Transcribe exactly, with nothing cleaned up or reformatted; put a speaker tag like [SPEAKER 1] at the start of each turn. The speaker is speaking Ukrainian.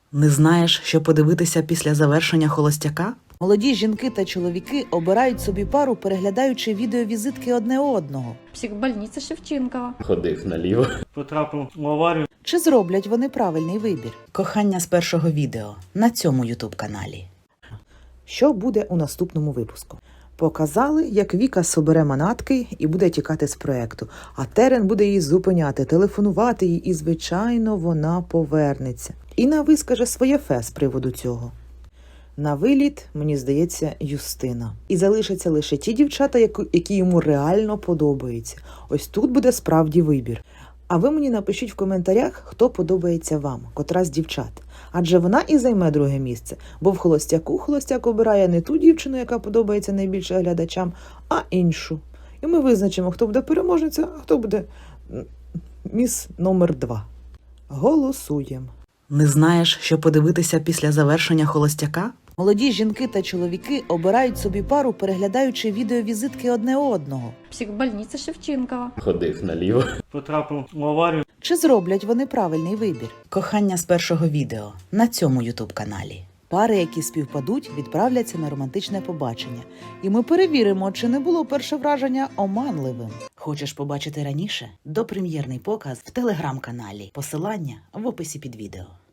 [SPEAKER 1] Не знаєш, що подивитися після завершення холостяка? Молоді жінки та чоловіки обирають собі пару, переглядаючи відеовізитки одне одного.
[SPEAKER 2] Психбольниця Шевченкова.
[SPEAKER 3] Ходив наліво.
[SPEAKER 4] Потрапив в аварію.
[SPEAKER 1] Чи зроблять вони правильний вибір? Кохання з першого відео на цьому ютуб-каналі. Що буде у наступному випуску? Показали, як Віка собере манатки і буде тікати з проекту, а Терен буде її зупиняти, телефонувати їй, і, звичайно, вона повернеться. Інна вискаже своє фе з приводу цього. На виліт, мені здається, Юстина. І залишаться лише ті дівчата, які йому реально подобаються. Ось тут буде справді вибір. А ви мені напишіть в коментарях, хто подобається вам, котра з дівчат. Адже вона і займе друге місце, бо в холостяку холостяк обирає не ту дівчину, яка подобається найбільше глядачам, а іншу. І ми визначимо, хто буде переможниця, а хто буде міс номер два. Голосуємо. Не знаєш, що подивитися після завершення холостяка? Молоді жінки та чоловіки обирають собі пару, переглядаючи відеовізитки одне одного.
[SPEAKER 2] Психбольниця Шевченкова.
[SPEAKER 3] Ходив наліво.
[SPEAKER 4] Потрапив в аварію.
[SPEAKER 1] Чи зроблять вони правильний вибір? Кохання з першого відео на цьому ютуб-каналі. Пари, які співпадуть, відправляться на романтичне побачення. І ми перевіримо, чи не було перше враження оманливим. Хочеш побачити раніше? Допрем'єрний показ в телеграм-каналі. Посилання в описі під відео.